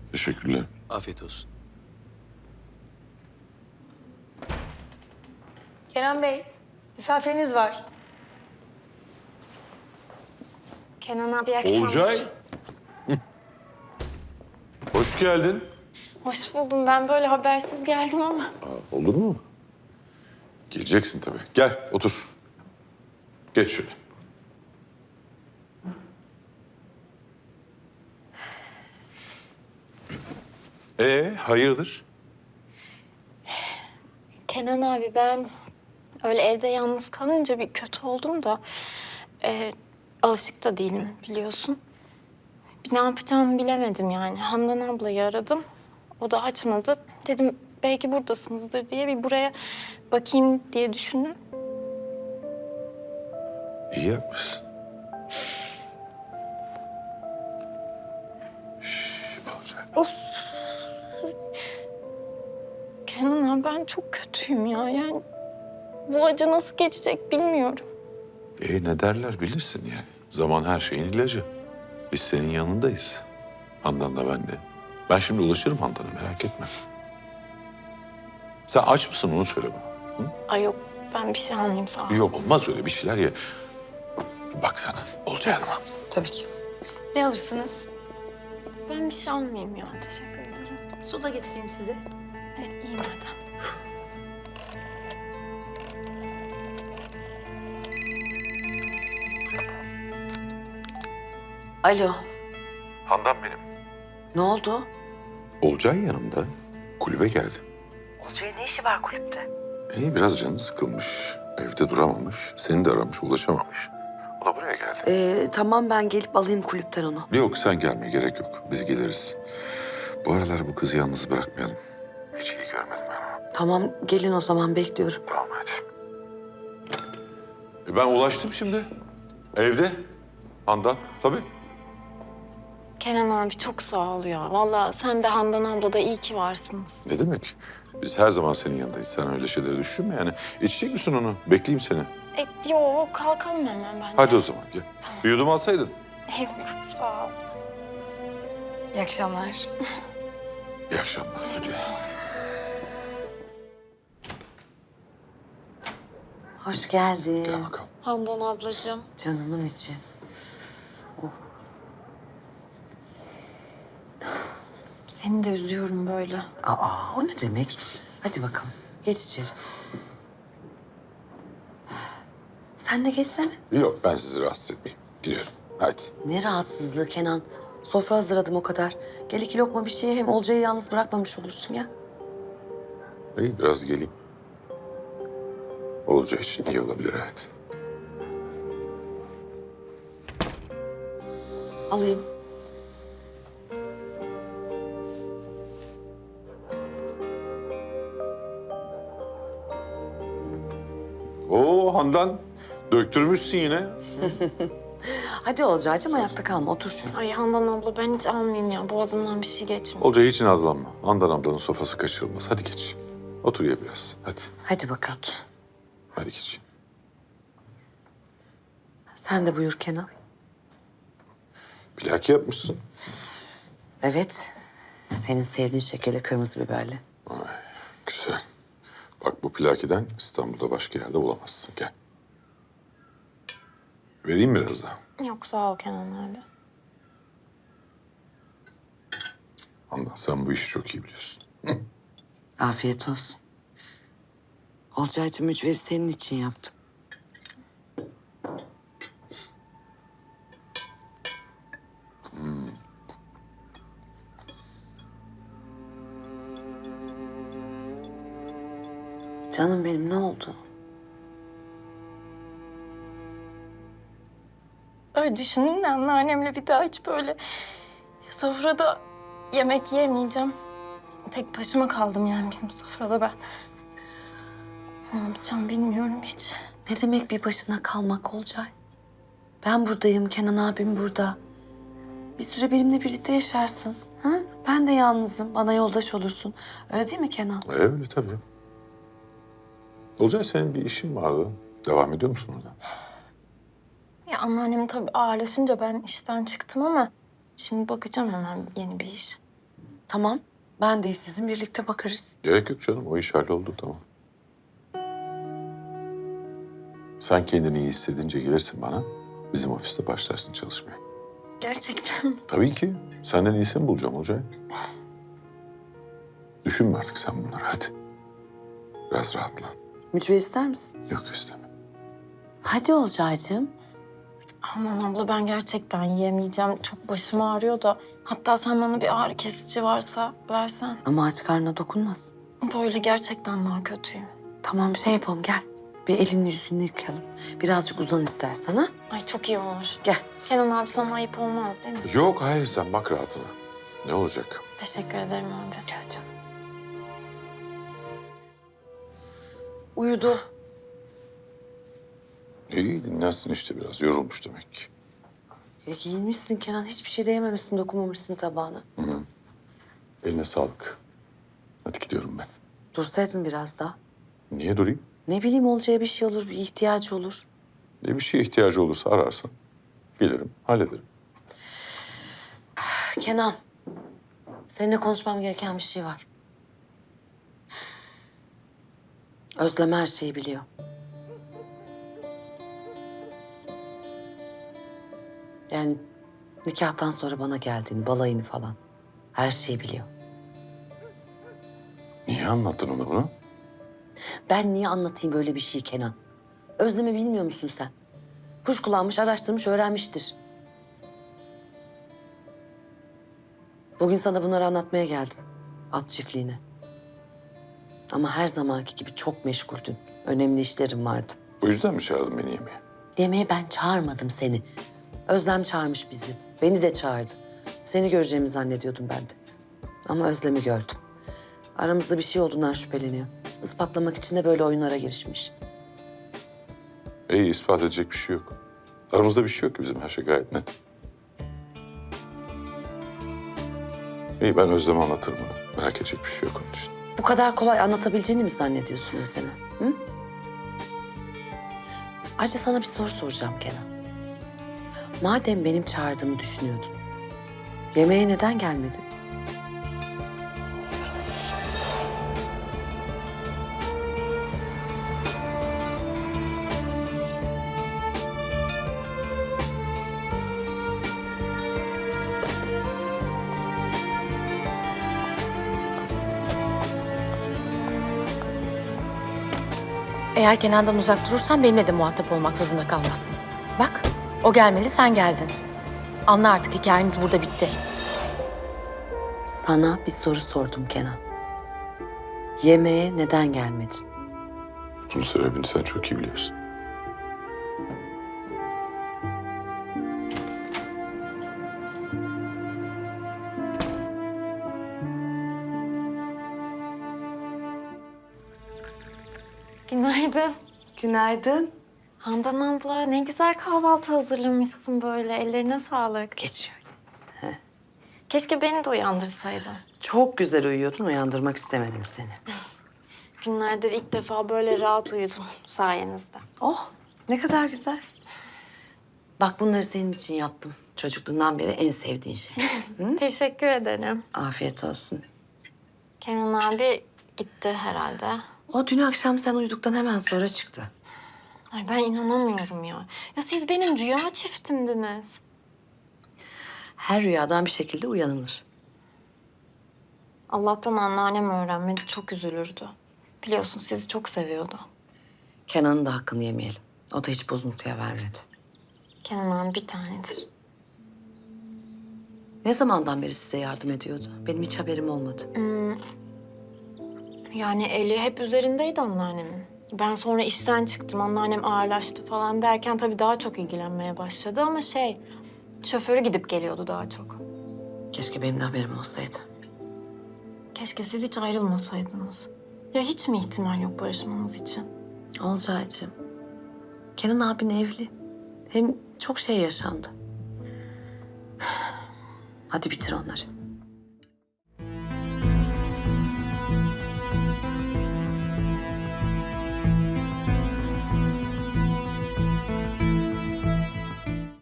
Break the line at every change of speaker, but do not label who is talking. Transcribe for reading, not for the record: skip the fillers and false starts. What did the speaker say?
Teşekkürler.
Afiyet olsun.
Kenan Bey, misafiriniz var.
Kenan abi, iyi akşamlar.
Olcay. Hı. Hoş geldin.
Hoş buldum. Ben böyle habersiz geldim ama.
Olur mu? Geleceksin tabii. Gel, otur. Geç şöyle. Hayırdır?
Kenan abi, ben öyle evde yalnız kalınca bir kötü oldum da... alışık da değilim, biliyorsun. Bir ne yapacağımı bilemedim yani. Handan ablayı aradım. O da açmadı. Dedim belki buradasınızdır diye bir buraya bakayım diye düşündüm.
İyi yapmışsın. Şşş, Olcay.
Kenan abi, ben çok kötüyüm ya. Yani bu acı nasıl geçecek bilmiyorum.
Ne derler bilirsin yani. Zaman her şeyin ilacı. Biz senin yanındayız. Handan da ben de. Ben şimdi ulaşırım Handan'a, merak etme. Sen aç mısın onu söyle bana. Hı?
Ay yok, ben bir şey almayayım, sağ ol.
Yok olmaz öyle bir şeyler ye. Baksana Olcay Hanım'a.
Tabii ki. Ne alırsınız?
Ben bir şey almayayım ya, teşekkür ederim.
Soda getireyim size.
İyi madem.
Alo,
Handan benim.
ne oldu?
Olcay yanımda. Kulübe geldi.
Olcay'ın ne işi var kulüpte?
Biraz canı sıkılmış. Evde duramamış. Seni de aramış, ulaşamamış. O da buraya geldi.
Tamam, ben gelip alayım kulüpten onu.
Yok sen gelme, gerek yok. Biz geliriz. Bu aralar bu kızı yalnız bırakmayalım. Hiç iyi görmedim ben onu.
Tamam, gelin o zaman, bekliyorum.
Tamam hadi. Ben ulaştım şimdi. Evde. Handan tabii.
Kenan abi, çok sağ ol ya. Vallahi sen de Handan abla da iyi ki varsınız.
Ne demek? Biz her zaman senin yanındayız. Sen öyle şeyleri düşünme yani. İçecek misin onu? Bekleyeyim seni.
Yok, kalkalım hemen bence.
Hadi o zaman gel.
Tamam.
Bir yudum alsaydın.
Yok, sağ ol.
İyi akşamlar.
İyi akşamlar. Hadi.
Hoş geldin.
Gel bakalım.
Handan ablacığım.
Canımın içi.
Seni de üzüyorum böyle.
O ne demek? Hadi bakalım, geç içeri. Sen de geçsene.
Yok ben sizi rahatsız etmeyeyim. Gidiyorum. Hadi.
Ne rahatsızlığı Kenan. Sofra hazırladım o kadar. Gel 2 lokma bir şeye, hem Olcay'ı yalnız bırakmamış olursun ya.
İyi biraz geleyim. Olacağı için iyi olabilir evet.
Alayım.
Oo Handan. Döktürmüşsün yine.
Hadi Olcay'cığım, ayakta kalma, otur şöyle.
Ay Handan abla, ben hiç almayayım ya. Boğazımdan bir şey geçmiyor.
Olcay hiç nazlanma. Handan ablanın sofrası kaçırılmaz. Hadi geç. Otur ye biraz. Hadi.
Hadi bakalım.
Hadi geç.
Sen de buyur Kenan.
Plaki yapmışsın.
Evet. Senin sevdiğin şekilde kırmızı biberli.
Güzel. Bak bu plakiden İstanbul'da başka yerde bulamazsın. Gel. Vereyim biraz daha.
Yok, sağ ol Kenan abi.
Handan sen bu işi çok iyi biliyorsun.
Afiyet olsun. Olcay'cığım, mücveri senin için yaptım. Canım benim, ne oldu?
Öyle düşündüm de anneannemle bir daha hiç böyle sofrada yemek yemeyeceğim. Tek başıma kaldım yani bizim sofrada ben. Ne yapacağım bilmiyorum hiç.
Ne demek bir başına kalmak Olcay? Ben buradayım, Kenan abim burada. Bir süre benimle birlikte yaşarsın. Ha? Ben de yalnızım, bana yoldaş olursun. Öyle değil mi Kenan?
Öyle tabii. Olcay senin bir işin vardı. Devam ediyor musun orada?
Ya anneannem tabii ağırlaşınca ben işten çıktım ama şimdi bakacağım hemen yeni bir iş.
Tamam. Ben de sizin birlikte bakarız.
Gerek yok canım. O iş halloldu, tamam. Sen kendini iyi hissedince gelirsin bana. Bizim ofiste başlarsın çalışmaya.
Gerçekten.
Tabii ki. Senden iyisini bulacağım Olcay. Düşünme artık sen bunları, hadi. Biraz rahatla.
Mücver ister misin?
Yok, isteme.
Hadi Olcaycığım.
Aman abla ben gerçekten yiyemeyeceğim. Çok başım ağrıyor da. Hatta sen bana bir ağrı kesici varsa versen.
Ama aç karnına dokunmasın.
Böyle gerçekten daha kötüyüm.
Tamam şey yapalım gel. Bir elini yüzünü yıkayalım. Birazcık uzan istersen ha.
Ay çok iyi olur.
Gel.
Kenan abi sana ayıp olmaz değil mi?
Yok, hayır, sen bak rahatına. Ne olacak?
Teşekkür ederim abi.
Gel canım. Uyudu.
İyi, dinlensin işte biraz. Yorulmuş demek ki.
Ya giyinmişsin Kenan. Hiçbir şey de yememişsin, dokunmamışsın tabağına.
Eline sağlık. Hadi gidiyorum ben.
Dursaydın biraz daha.
Niye durayım?
Ne bileyim olacağı bir şey olur, bir ihtiyacı olur.
Bir şeye ihtiyacı olursa ararsan gelirim, hallederim.
Kenan, seninle konuşmam gereken bir şey var. Özlem her şeyi biliyor. Yani nikahtan sonra bana geldiğini, balayını falan. Her şeyi biliyor.
Niye anlattın ona bunu?
Ben niye anlatayım böyle bir şey Kenan? Özlem'i bilmiyor musun sen? Kuş kullanmış, araştırmış, öğrenmiştir. Bugün sana bunları anlatmaya geldim. At çiftliğine. Ama her zamanki gibi çok meşguldün. Önemli işlerim vardı.
Bu yüzden mi çağırdın beni yemeğe?
Yemeğe ben çağırmadım seni. Özlem çağırmış bizi. Beni de çağırdı. Seni göreceğimi zannediyordum ben de. Ama Özlem'i gördüm. Aramızda bir şey olduğundan şüpheleniyor. Ispatlamak için de böyle oyunlara girişmiş.
İyi, ispat edecek bir şey yok. Aramızda bir şey yok ki bizim, her şey gayet net. İyi, ben Özlem'e anlatırım onu. Merak edecek bir şey yok onun için.
Bu kadar kolay anlatabileceğini mi zannediyorsun Özlem'e? Hı? Ayrıca sana bir soru soracağım Kenan. Madem benim çağırdığımı düşünüyordun, yemeğe neden gelmedin?
Eğer Kenan'dan uzak durursan benimle de muhatap olmak zorunda kalmazsın. Bak, o gelmeli, sen geldin. Anla artık, hikayeniz burada bitti.
Sana bir soru sordum Kenan. Yemeğe neden gelmedin?
Bunun sebebini sen çok iyi biliyorsun.
Günaydın.
Günaydın.
Handan abla ne güzel kahvaltı hazırlamışsın böyle. Ellerine sağlık.
Geçiyor.
Keşke beni de uyandırsaydın.
Çok güzel uyuyordun, uyandırmak istemedim seni.
Günlerdir ilk defa böyle rahat uyudum sayenizde.
Oh, ne kadar güzel. Bak bunları senin için yaptım. Çocukluğundan beri en sevdiğin şey.
Teşekkür ederim.
Afiyet olsun.
Kenan abi gitti herhalde.
O dün akşam sen uyuduktan hemen sonra çıktı.
Ay ben inanamıyorum ya. Ya siz benim rüya çiftimdiniz.
Her rüyadan bir şekilde uyanılır.
Allah'tan anneannem öğrenmedi, çok üzülürdü. Biliyorsun sizi çok seviyordu.
Kenan'ın da hakkını yemeyelim. O da hiç bozuntuya vermedi.
Kenan abi bir tanedir.
Ne zamandan beri size yardım ediyordu? Benim hiç haberim olmadı.
Yani eli hep üzerindeydi anneannemin. Ben sonra işten çıktım, anneannem ağırlaştı falan derken tabii daha çok ilgilenmeye başladı ama şoförü gidip geliyordu daha çok.
Keşke benim de haberim olsaydı.
Keşke siz hiç ayrılmasaydınız. Ya hiç mi ihtimal yok barışmamız için?
Olcaycığım, Kenan abin evli. Hem çok şey yaşandı. Hadi bitir onları.